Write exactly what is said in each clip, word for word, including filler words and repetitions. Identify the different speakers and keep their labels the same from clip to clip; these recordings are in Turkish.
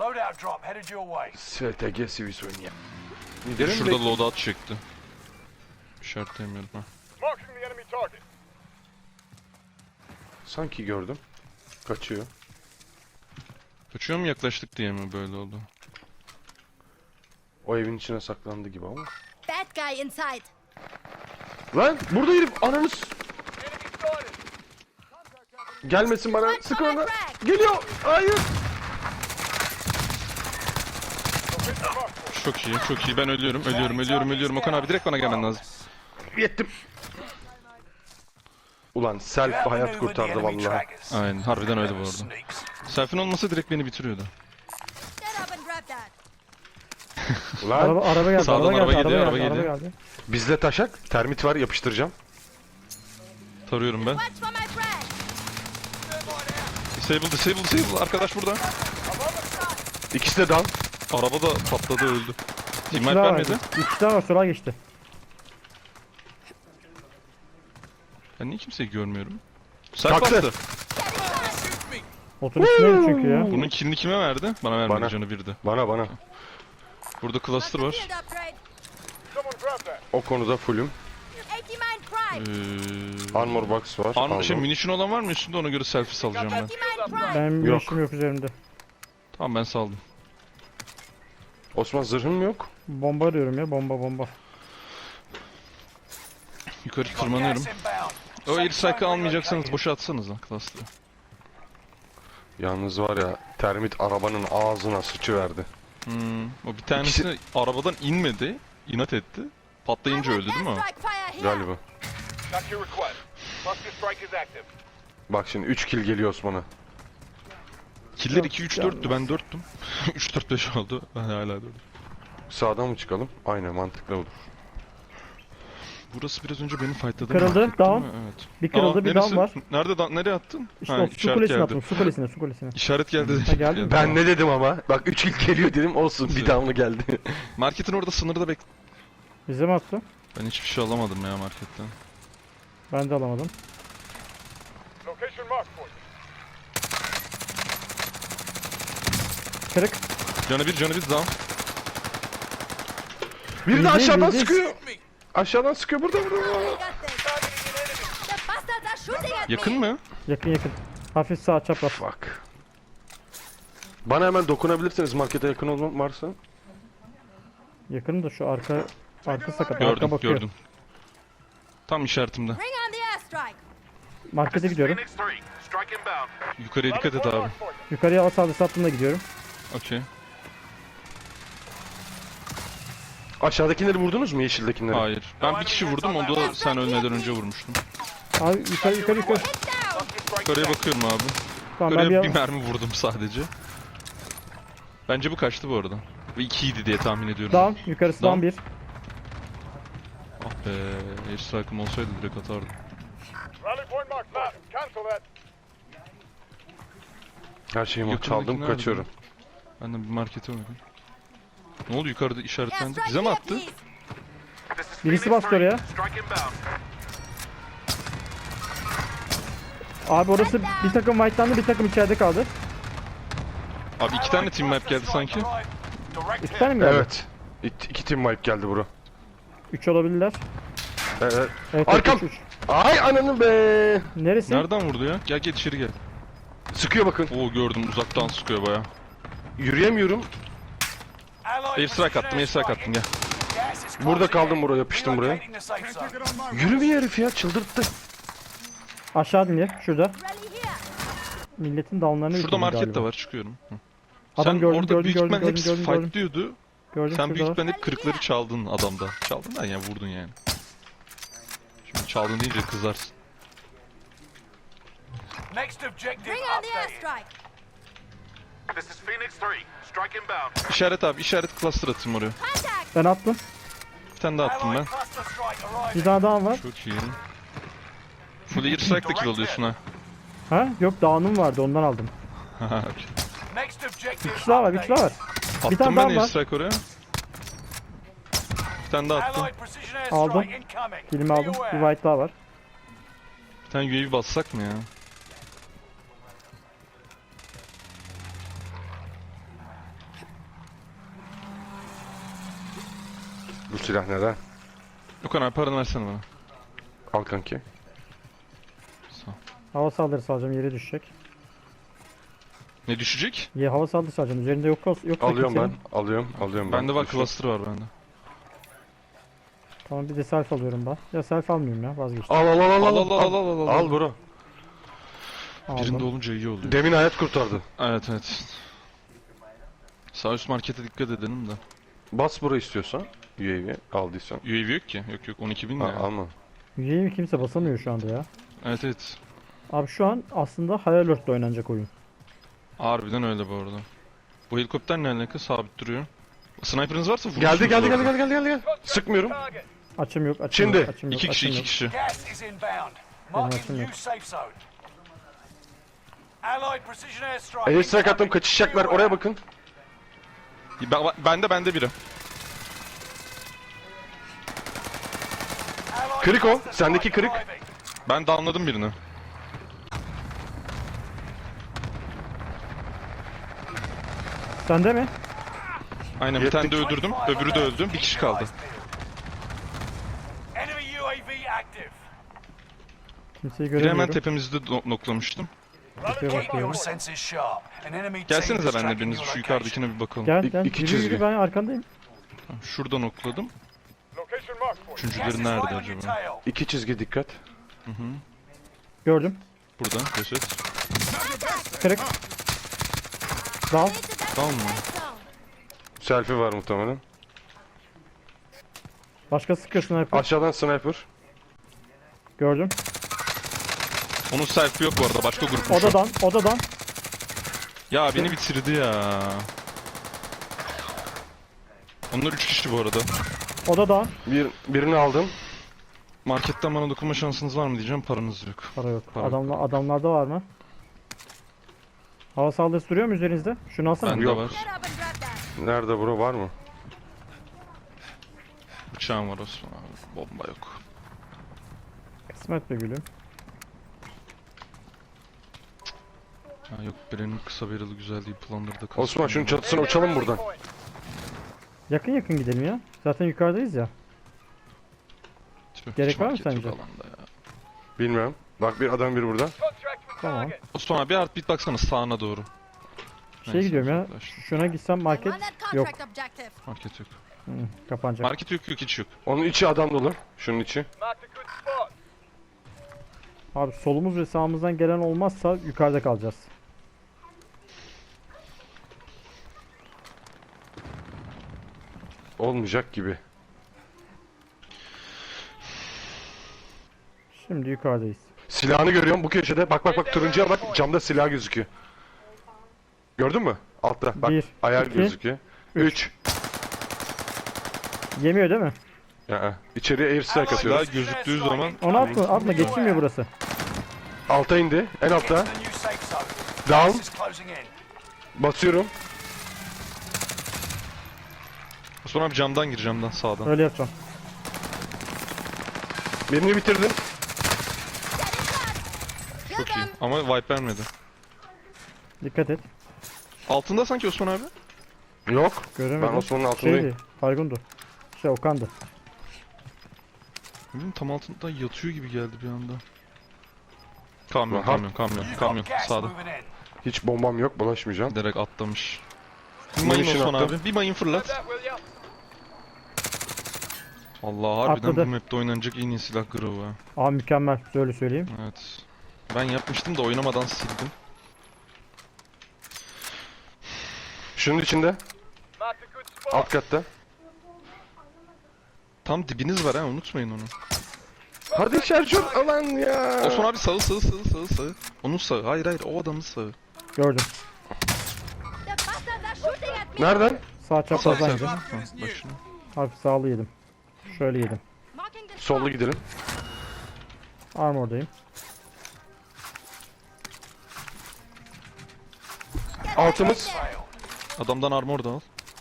Speaker 1: Loadout drop headed your way.
Speaker 2: S T G Sivison ya.
Speaker 3: Şurada loadout çekti. İşaretleyemiyorum ha.
Speaker 4: Marking the enemy target.
Speaker 2: Sanki gördüm. Kaçıyor.
Speaker 3: Kaçıyor mu, yaklaştık diye mi böyle oldu?
Speaker 2: O evin içine saklandı gibi ama.
Speaker 5: Bad guy inside.
Speaker 2: Lan burada herif ananı s-
Speaker 4: Enemy spotted.
Speaker 2: gelmesin bana. Sık ona. Geliyor. Hayır.
Speaker 4: Location marked.
Speaker 3: Çok iyi, çok iyi. Ben ölüyorum, ölüyorum, ölüyorum, ölüyorum. Okan abi direkt bana gelmen lazım.
Speaker 2: Yettim. Ulan self hayat kurtardı vallahi.
Speaker 3: Aynen, harbiden öyle bu arada. Selfie'nin olmasa direkt beni bitiriyordu.
Speaker 5: Get up and grab that.
Speaker 2: Ulan
Speaker 6: Araba, araba geldi,
Speaker 3: Sağdan
Speaker 6: araba
Speaker 3: araba
Speaker 6: geldi,
Speaker 3: geliyor,
Speaker 6: araba
Speaker 3: araba
Speaker 6: geldi, araba
Speaker 3: geliyor.
Speaker 6: geldi.
Speaker 2: bizde taşak. Termit var, yapıştıracağım.
Speaker 3: Tarıyorum ben.
Speaker 5: Watch for my frag.
Speaker 3: Disable, disable, disable. Arkadaş burada.
Speaker 2: İkisi de down.
Speaker 3: Araba da patladı, öldü. Team
Speaker 6: İki
Speaker 3: wipe
Speaker 6: daha var.
Speaker 3: vermedi.
Speaker 6: İki daha var, sola geçti.
Speaker 3: Ben niye kimseyi görmüyorum? Self
Speaker 2: Taktı.
Speaker 3: attı.
Speaker 6: Otun üstündeydi çünkü ya.
Speaker 3: Bunun killini kime verdi? Bana vermedi,
Speaker 2: Bana.
Speaker 3: canı birdi.
Speaker 2: Bana bana.
Speaker 3: Burada cluster var.
Speaker 5: Field upgrade.
Speaker 4: Someone grab that.
Speaker 2: O konuda fullüm.
Speaker 5: eighty mine prime.
Speaker 3: Ee,
Speaker 2: Armor box var.
Speaker 3: Armor, şey,
Speaker 2: aldım.
Speaker 3: munition olan var mı üstünde, ona göre selfie salacağım ben.
Speaker 5: eighty mine prime.
Speaker 6: Benim
Speaker 2: Yok.
Speaker 6: yaşım yok üzerimde.
Speaker 3: Tamam, ben saldım.
Speaker 2: Osman zırhım yok.
Speaker 6: Bomba arıyorum ya, bomba bomba.
Speaker 3: Yukarı tırmanıyorum. O air strike'ı almayacaksanız boşa atsanız lan cluster'ı.
Speaker 2: Yalnız var ya, termit arabanın ağzına sıçıverdi.
Speaker 3: Hmm, o bir tanesi arabadan inmedi, inat etti. Patlayınca öldü değil mi o?
Speaker 5: Airstrike fire here.
Speaker 2: Galiba.
Speaker 4: Got your request. Cluster strike is active.
Speaker 2: Bak şimdi üç kill geliyor Osman'a.
Speaker 3: Killer iki üç dörttü, ben dörttüm. üç dört beş oldu, ben hala dördüm.
Speaker 2: Sağdan mı çıkalım? Aynen, mantıklı olur.
Speaker 3: Burası biraz önce beni fightladı.
Speaker 6: Kırıldı,
Speaker 3: market değil
Speaker 6: down.
Speaker 3: mi? Evet.
Speaker 6: Bir kırıldı,
Speaker 3: Aa,
Speaker 6: bir
Speaker 3: neresi?
Speaker 6: down var.
Speaker 3: Nerede down? Nereye attın?
Speaker 6: İşte
Speaker 3: Ha,
Speaker 6: o su
Speaker 3: işaret
Speaker 6: kulesine
Speaker 3: geldi.
Speaker 6: attım, su kulesine, su kulesine.
Speaker 3: İşaret geldi.
Speaker 6: Ha, geldi mi?
Speaker 2: Ben ne dedim ama? Bak üç kill geliyor dedim, olsun bir down'ı geldi.
Speaker 3: Marketin orada sınırda bek...
Speaker 6: Bize mi attı?
Speaker 3: Ben hiçbir şey alamadım ya marketten.
Speaker 6: Ben de alamadım.
Speaker 4: Location marked for you.
Speaker 6: Kırık.
Speaker 3: Canı bir, canı bir down.
Speaker 2: Biri de
Speaker 6: Bildiğin,
Speaker 2: aşağıdan
Speaker 6: bildiğin.
Speaker 2: sıkıyor. Aşağıdan sıkıyor, burada burada.
Speaker 5: We got this. The bastards are shooting at
Speaker 3: Yakın
Speaker 5: me.
Speaker 3: mı?
Speaker 6: Yakın yakın. Hafif sağ çapraz.
Speaker 2: Fuck. Bana hemen dokunabilirsiniz markete yakın olmam varsa.
Speaker 6: Yakın da şu arka arka sakat. arka
Speaker 3: Gördüm,
Speaker 6: bakıyor.
Speaker 3: gördüm. Tam işaretimde.
Speaker 5: Bring on the airstrike.
Speaker 6: Markete gidiyorum.
Speaker 4: Phoenix three. Strike inbound.
Speaker 3: Yukarıya dikkat et abi.
Speaker 4: Marked for you.
Speaker 6: Yukarıya al sağda sattığımda gidiyorum.
Speaker 3: Okey.
Speaker 2: Aşağıdakileri vurdunuz mu, yeşildekileri?
Speaker 3: Hayır. Ben bir kişi vurdum, onu da sen ölmeden önce vurmuştun.
Speaker 6: Abi yukarı yukarı yukarı.
Speaker 5: Hit down.
Speaker 4: Cluster strike is
Speaker 3: Yukarıya
Speaker 4: active.
Speaker 3: bakıyorum abi.
Speaker 6: Tamam ben
Speaker 3: Yukarıya
Speaker 6: bir
Speaker 3: bir mermi vurdum sadece. Bence bu kaçtı bu arada. Ve ikiydi diye tahmin ediyorum.
Speaker 6: down yukarısı
Speaker 3: Down.
Speaker 6: down bir.
Speaker 3: Ah be, airstrike'ım olsaydı direkt atardım.
Speaker 4: Rally point marked. Left. Cancel that.
Speaker 2: Her şeyimi
Speaker 3: Yakındaki
Speaker 2: çaldım,
Speaker 3: nerede?
Speaker 2: kaçıyorum.
Speaker 3: Ben de bir markete uğradım. Ne oldu, yukarıda işaretlendi?
Speaker 5: Airstrike
Speaker 3: Bize mi
Speaker 5: here,
Speaker 3: attı?
Speaker 5: please.
Speaker 4: This is
Speaker 6: Birisi
Speaker 4: Phoenix
Speaker 6: bastı
Speaker 4: three.
Speaker 6: oraya.
Speaker 4: Strike inbound.
Speaker 6: Abi orası bir takım white'landı, bir takım içeride kaldı.
Speaker 3: Abi iki tane team map geldi sanki.
Speaker 1: Direct
Speaker 6: İki
Speaker 1: hit.
Speaker 6: tane mi geldi?
Speaker 2: Evet. İki, iki team wipe geldi bura.
Speaker 6: Üç olabilirler.
Speaker 2: Evet.
Speaker 6: Evet,
Speaker 2: Arkam!
Speaker 6: üç, üç.
Speaker 2: Ay ananı be.
Speaker 6: Neresi?
Speaker 3: Nereden vurdu ya? Gel gel içeri gel.
Speaker 2: Sıkıyor bakın.
Speaker 3: Oo gördüm, uzaktan sıkıyor baya.
Speaker 2: Yürüyemiyorum.
Speaker 1: Allied
Speaker 3: Airstrike attım, airstrike attım gel.
Speaker 1: Gas is
Speaker 2: Burada
Speaker 1: closing
Speaker 2: kaldım
Speaker 1: in.
Speaker 2: buraya, yapıştım buraya.
Speaker 1: Relocating the safe zone.
Speaker 2: Yürümüyor herif ya, çıldırttı.
Speaker 6: Aşağı dinle, şurada.
Speaker 5: Rally here.
Speaker 6: Milletin downlarını
Speaker 3: Şurada
Speaker 6: yıkıldı
Speaker 3: market
Speaker 6: galiba.
Speaker 3: de var, çıkıyorum. Hı.
Speaker 6: Adam
Speaker 3: Sen
Speaker 6: gördüm,
Speaker 3: orada
Speaker 6: gördüm,
Speaker 3: büyük
Speaker 6: gördüm,
Speaker 3: ihtimal
Speaker 6: gördüm,
Speaker 3: hepsi
Speaker 6: gördüm, gördüm.
Speaker 3: fightlıyordu.
Speaker 6: Gördüm
Speaker 3: Sen büyük
Speaker 6: şurada.
Speaker 3: ihtimal hep kırıkları çaldın adamda. Çaldın da yani vurdun yani. Şimdi çaldın deyince kızarsın.
Speaker 1: Next objective
Speaker 5: Bring on the
Speaker 1: updated.
Speaker 5: airstrike.
Speaker 4: This is Phoenix three. Strike inbound.
Speaker 3: İşaret abi, işaret cluster atayım oraya.
Speaker 5: Contact.
Speaker 6: Ben attım.
Speaker 3: Bir tane daha attım ben.
Speaker 1: Allied cluster strike
Speaker 6: Bir
Speaker 1: arriving.
Speaker 6: tane daha var.
Speaker 3: Çok iyi. Şurada air strike de kill alıyorsun ha.
Speaker 6: Ha? Yok down'um vardı, ondan aldım.
Speaker 3: Haha, okey.
Speaker 1: Next objective
Speaker 6: Bir kişi daha var, bir kişi daha var. Bir tane
Speaker 3: Attım
Speaker 6: daha
Speaker 3: ben
Speaker 6: var.
Speaker 3: air strike oraya. Bir tane daha attım.
Speaker 1: Allied precision
Speaker 6: Aldım.
Speaker 1: airstrike incoming.
Speaker 6: Kilimi
Speaker 1: Be
Speaker 6: aldım. Bir
Speaker 1: aware.
Speaker 6: white daha var.
Speaker 3: Bir tane U A V bassak mı ya?
Speaker 2: Bu silah neden?
Speaker 3: Okan abi paranı versene bana.
Speaker 2: Al kanki.
Speaker 3: Sağ ol.
Speaker 6: Hava saldırısı alacağım, yere düşecek.
Speaker 3: Ne düşecek?
Speaker 6: Ya hava saldırısı alacağım. Üzerinde yok olsa yok.
Speaker 2: Alıyorum ben. Alıyorum. Alıyorum ben.
Speaker 3: Bende var,
Speaker 2: Düşün.
Speaker 3: cluster var bende.
Speaker 6: Tamam, bir de self alıyorum ben. Ya self almıyorum ya, vazgeçtim.
Speaker 2: Al al al al
Speaker 3: Al,
Speaker 2: al
Speaker 3: al, al, al, al, al.
Speaker 2: Al bro.
Speaker 3: Birinde
Speaker 6: Aldım.
Speaker 3: olunca iyi oluyor.
Speaker 2: Demin hayat kurtardı.
Speaker 3: Evet evet. Sağ üst markete dikkat edelim de.
Speaker 2: Bas burayı istiyorsan. U A V aldıysan.
Speaker 3: U A V yok ki. Yok yok on iki bin
Speaker 2: Ha,
Speaker 3: ne ya?
Speaker 2: alma.
Speaker 6: U A V kimse basamıyor şu anda ya.
Speaker 3: Evet evet.
Speaker 6: Abi şu an aslında High Alert'la oynanacak oyun.
Speaker 3: Harbiden öyle bu arada. Bu helikopter ne alaka? Sabit duruyor. Sniper'ınız varsa vurursunuz.
Speaker 2: Geldi geldi
Speaker 3: orada.
Speaker 2: geldi geldi geldi geldi. Sıkmıyorum.
Speaker 6: Açım yok, açım
Speaker 2: Şimdi,
Speaker 6: yok, açım yok.
Speaker 3: İki kişi
Speaker 6: açım
Speaker 3: iki
Speaker 6: yok.
Speaker 3: kişi.
Speaker 1: Gas is inbound. Marking
Speaker 6: açım
Speaker 1: new
Speaker 6: yok.
Speaker 1: safe zone. Allied precision airstrike.
Speaker 2: Airstrike attım,
Speaker 1: incoming.
Speaker 2: kaçışacaklar.
Speaker 1: Beware.
Speaker 2: Oraya bakın.
Speaker 3: Ben, bende bende biri.
Speaker 1: Allied
Speaker 2: Kırık o,
Speaker 1: cluster
Speaker 2: sendeki
Speaker 1: strike
Speaker 2: kırık.
Speaker 1: arriving.
Speaker 3: Ben downladım birini.
Speaker 6: Sende mi?
Speaker 3: Aynen bir tane de
Speaker 2: Yettik.
Speaker 3: öldürdüm. Öbürü de öldü. Bir kişi kaldı.
Speaker 1: Enemy U A V active.
Speaker 6: Kimseyi
Speaker 3: Biri hemen
Speaker 6: göremiyorum.
Speaker 3: tepemizde do- noklamıştım.
Speaker 6: Tepeye
Speaker 1: Keep your
Speaker 6: bakıyorum.
Speaker 1: senses sharp. An enemy team
Speaker 3: Gelsenize
Speaker 1: is
Speaker 3: benimle
Speaker 1: tracking
Speaker 3: biriniz
Speaker 1: your
Speaker 3: şu
Speaker 1: location.
Speaker 3: yukarıdakine bir bakalım.
Speaker 6: Gel
Speaker 2: İ-
Speaker 6: gel.
Speaker 2: iki
Speaker 6: Yürü
Speaker 2: çizgi.
Speaker 6: yürü, ben arkandayım.
Speaker 3: Tamam, şurada nokladım.
Speaker 1: Gas
Speaker 3: Üçüncüleri
Speaker 1: is
Speaker 3: nerede
Speaker 1: right on your
Speaker 3: acaba?
Speaker 1: tail.
Speaker 2: İki çizgi dikkat.
Speaker 6: Gördüm.
Speaker 3: Burada. Ceset.
Speaker 6: Kırık. Dal.
Speaker 3: Tamam mı?
Speaker 2: Selfie var muhtemelen.
Speaker 6: Başka sıkıyor sniper.
Speaker 2: Aşağıdan sniper.
Speaker 6: Gördüm.
Speaker 3: Onun selfie yok bu arada. Başka grupmuş o.
Speaker 6: Odadan, odadan.
Speaker 3: Ya beni bitirdi ya. Onlar üç kişi bu arada.
Speaker 6: Odadan.
Speaker 2: Bir, birini aldım.
Speaker 3: Marketten bana dokunma şansınız var mı diyeceğim. Paranız yok.
Speaker 6: Para yok.
Speaker 3: Para yok.
Speaker 6: Adamla, adamlarda var mı? Hava saldırısı duruyor mu üzerinizde? Şunu alsana.
Speaker 3: Bende
Speaker 2: Yok.
Speaker 3: var.
Speaker 5: Get up and grab that.
Speaker 2: Nerede bro, var mı?
Speaker 3: Bıçağım var Osman abi. Bomba yok.
Speaker 6: Kısmet be gülüm.
Speaker 3: Ha yok birinin kısa barrel'ı güzel değil. Planları da
Speaker 2: Osman şunun çatısına uçalım buradan.
Speaker 6: Yakın yakın gidelim ya. Zaten yukarıdayız ya. Gerek var mı sence?
Speaker 2: Bilmiyorum. Bak bir adam biri burada.
Speaker 6: Tamam.
Speaker 3: Osman abi bir heartbeat baksana sağına doğru.
Speaker 6: Şey
Speaker 3: Neyse,
Speaker 6: gidiyorum ya.
Speaker 3: uzaklaştım.
Speaker 6: Şuna gitsem market
Speaker 5: On that
Speaker 6: yok.
Speaker 5: contract objective.
Speaker 3: Market yok.
Speaker 6: Hı, kapanacak.
Speaker 3: Market yok yok hiç yok.
Speaker 2: Onun içi adam dolu. Şunun içi.
Speaker 6: Abi solumuz ve sağımızdan gelen olmazsa yukarıda kalacağız.
Speaker 2: Olmayacak gibi.
Speaker 6: Şimdi yukarıdayız.
Speaker 2: Silahını görüyorum bu köşede. Bak bak bak, turuncuya bak. Camda silah gözüküyor. Gördün mü? Altta. Bak
Speaker 6: Bir,
Speaker 2: ayar
Speaker 6: iki,
Speaker 2: gözüküyor. üç.
Speaker 6: Yemiyor değil mi?
Speaker 2: Ya, içeriye airstrike atıyoruz.
Speaker 3: Silah gözüktüğü zaman
Speaker 6: Onu atma, atma geçilmiyor burası.
Speaker 2: Alta indi. En altta.
Speaker 1: Get to the new safe zone. Gas
Speaker 2: Down.
Speaker 1: is closing in.
Speaker 2: Basıyorum.
Speaker 3: Osman abi camdan gir camdan sağdan.
Speaker 6: Öyle yapacağım.
Speaker 2: Birini bitirdim.
Speaker 5: Kill
Speaker 3: Çok iyi.
Speaker 5: them.
Speaker 3: Ama wipe vermedi.
Speaker 6: Dikkat et.
Speaker 3: Altında sanki Osman abi.
Speaker 2: Yok.
Speaker 6: Göremedim.
Speaker 2: Ben Osman'ın altındayım.
Speaker 6: Şeydi, Fargundu. Şey Okan'dı.
Speaker 3: Bilmiyorum, tam altında yatıyor gibi geldi bir anda. Kamyon
Speaker 2: Aha.
Speaker 3: kamyon kamyon
Speaker 1: You've
Speaker 3: kamyon
Speaker 1: got gas
Speaker 3: sağda.
Speaker 1: moving in.
Speaker 2: Hiç bombam yok. Bulaşmayacağım.
Speaker 3: Direkt atlamış. Bir
Speaker 2: Mayın
Speaker 3: mayın Osman
Speaker 2: attım.
Speaker 3: abi. Bir mayın fırlat. Allah harbiden
Speaker 6: Atladı.
Speaker 3: bu map'te oynanacak en iyi silah Grove ha.
Speaker 6: Aa mükemmel. Öyle söyleyeyim.
Speaker 3: Evet. Ben yapmıştım da oynamadan sildim.
Speaker 2: Şunun içinde. Alt katta.
Speaker 3: Tam dibiniz var ha unutmayın onu.
Speaker 2: Hadi şarjör alan ya.
Speaker 3: Osman abi sağı sağı sağı sağı sağı. Onun sağı. Hayır hayır o adamın sağı.
Speaker 6: Gördüm.
Speaker 5: The bastards are shooting at me.
Speaker 2: Nereden?
Speaker 6: Sağ
Speaker 3: Sağ
Speaker 6: çaprazdan
Speaker 3: sağ.
Speaker 6: yedim.
Speaker 3: Ha, başına.
Speaker 6: Hafif sağlı yedim. Şöyle yedim.
Speaker 5: Marking the
Speaker 2: Sollu
Speaker 5: spot.
Speaker 2: gidelim.
Speaker 6: Armordayım.
Speaker 5: Get
Speaker 2: Altımız.
Speaker 5: right there.
Speaker 3: Adamdan armor da al.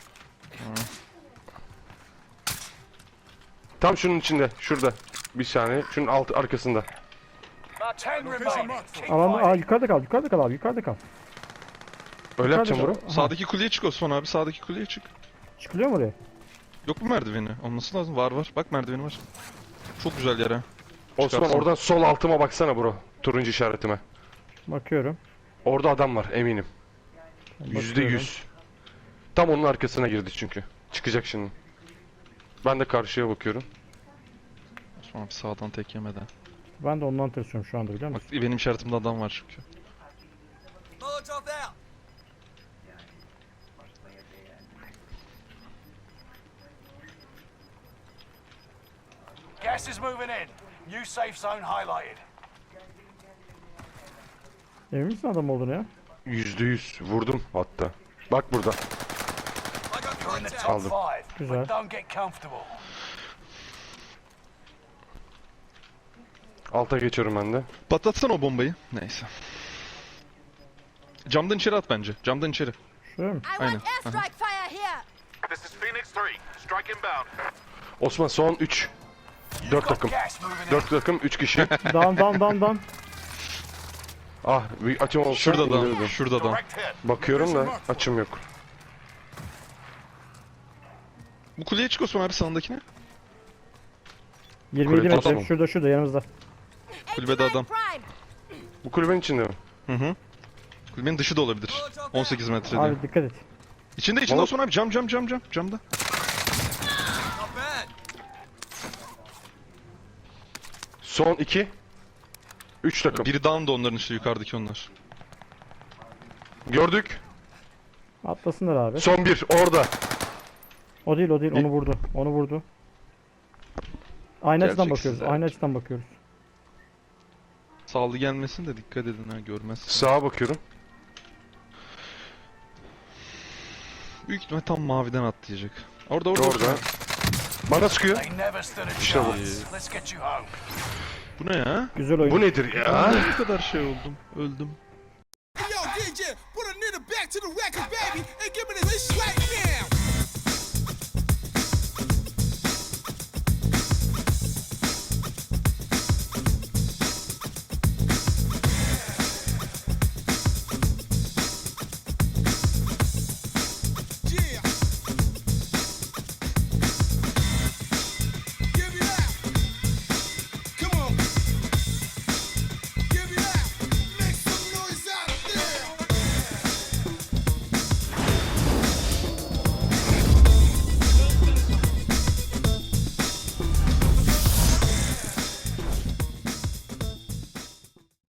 Speaker 2: Tam şunun içinde. Şurada. Bir saniye. Şunun alt arkasında.
Speaker 1: Ten remaining. Keep
Speaker 6: Alan, aa
Speaker 1: fighting.
Speaker 6: yukarıda kal, yukarıda kal abi, yukarıda kal.
Speaker 2: Öyle yapacağım
Speaker 6: Yukarıda
Speaker 2: bro.
Speaker 6: kal. Aha,
Speaker 3: Sağdaki kuleye çık Osman abi sağdaki kuleye çık.
Speaker 6: çıkılıyor mu oraya?
Speaker 3: Yok mu merdiveni? Olması lazım. Var var. Bak merdiveni var. Çok güzel yer ha.
Speaker 2: Osman
Speaker 3: Çıkarsana.
Speaker 2: oradan sol altıma baksana bro. Turuncu işaretime.
Speaker 6: Bakıyorum.
Speaker 2: Orada adam var eminim. Yüzde
Speaker 6: Bakıyorum.
Speaker 2: yüz. Tam onun arkasına girdi çünkü. Çıkacak şimdi. Ben de karşıya bakıyorum.
Speaker 3: Osman abi sağdan tek yemeden.
Speaker 6: Ben de ondan tırsıyorum şu anda biliyor
Speaker 3: Bak
Speaker 6: musun?
Speaker 3: benim işaretimde adam var çünkü.
Speaker 1: Molotov out. Gas is moving in. New safe zone highlighted.
Speaker 6: Emin misin adam olduğunu ya?
Speaker 2: Yüzde yüz. Vurdum hatta. Bak burada.
Speaker 1: You're in the top
Speaker 2: Aldım.
Speaker 1: five,
Speaker 6: Güzel.
Speaker 1: but don't get comfortable.
Speaker 2: Alta geçiyorum ben de.
Speaker 3: Patlatsana o bombayı. Neyse. Camdan içeri at bence. Camdan içeri.
Speaker 6: Şöyle mi?
Speaker 5: I
Speaker 3: Aynen,
Speaker 5: want airstrike fire here.
Speaker 4: This is Phoenix three. Strike inbound.
Speaker 2: Osman son üç.
Speaker 1: You've
Speaker 2: Dört
Speaker 1: got
Speaker 2: takım.
Speaker 1: gas moving in.
Speaker 2: Dört takım üç kişi.
Speaker 6: Down down down down.
Speaker 2: Ah bir açım olsa
Speaker 3: Şurada
Speaker 2: indirirdim.
Speaker 3: adam. Şurada adam.
Speaker 4: Direct hit.
Speaker 2: Bakıyorum da açım yok.
Speaker 3: Bu kuleye çık Osman abi sağındakine.
Speaker 6: yirmi yedi
Speaker 2: Kule
Speaker 6: metre.
Speaker 2: tamam.
Speaker 6: Şurada şurada yanımızda.
Speaker 3: Kulübede adam.
Speaker 5: Prime.
Speaker 2: Bu kulübenin içinde mi?
Speaker 3: Hı hı. Kulübenin dışı da olabilir. on sekiz metrede.
Speaker 6: Abi dikkat et.
Speaker 3: İçinde içinde
Speaker 2: Oğlum.
Speaker 3: Osman abi cam cam cam cam. Camda.
Speaker 2: Son iki. Üç takım.
Speaker 3: Biri down da onların işte yukarıdaki onlar.
Speaker 2: Gördük.
Speaker 6: Atlasınlar abi.
Speaker 2: Son bir orada.
Speaker 6: O değil o değil onu vurdu. Onu vurdu. Aynı açıdan bakıyoruz.
Speaker 3: Gerçeksizler.
Speaker 6: Aynı açıdan bakıyoruz.
Speaker 3: Sağlı gelmesin de dikkat edin ha görmezsin.
Speaker 2: Sağa bakıyorum.
Speaker 3: Büyük ihtimal tam maviden atlayacak. Orada orada.
Speaker 2: Orada.
Speaker 3: Orada.
Speaker 2: Bana sıkıyor.
Speaker 1: They never stood a
Speaker 2: İşte bu.
Speaker 1: chance. Let's get you home.
Speaker 3: Bu ne ya?
Speaker 6: Güzel oyun.
Speaker 2: Bu nedir ya?
Speaker 3: Ne kadar şey oldum. Öldüm.
Speaker 7: Yo, D J, put a nigga back to the record, baby, and give me this right now.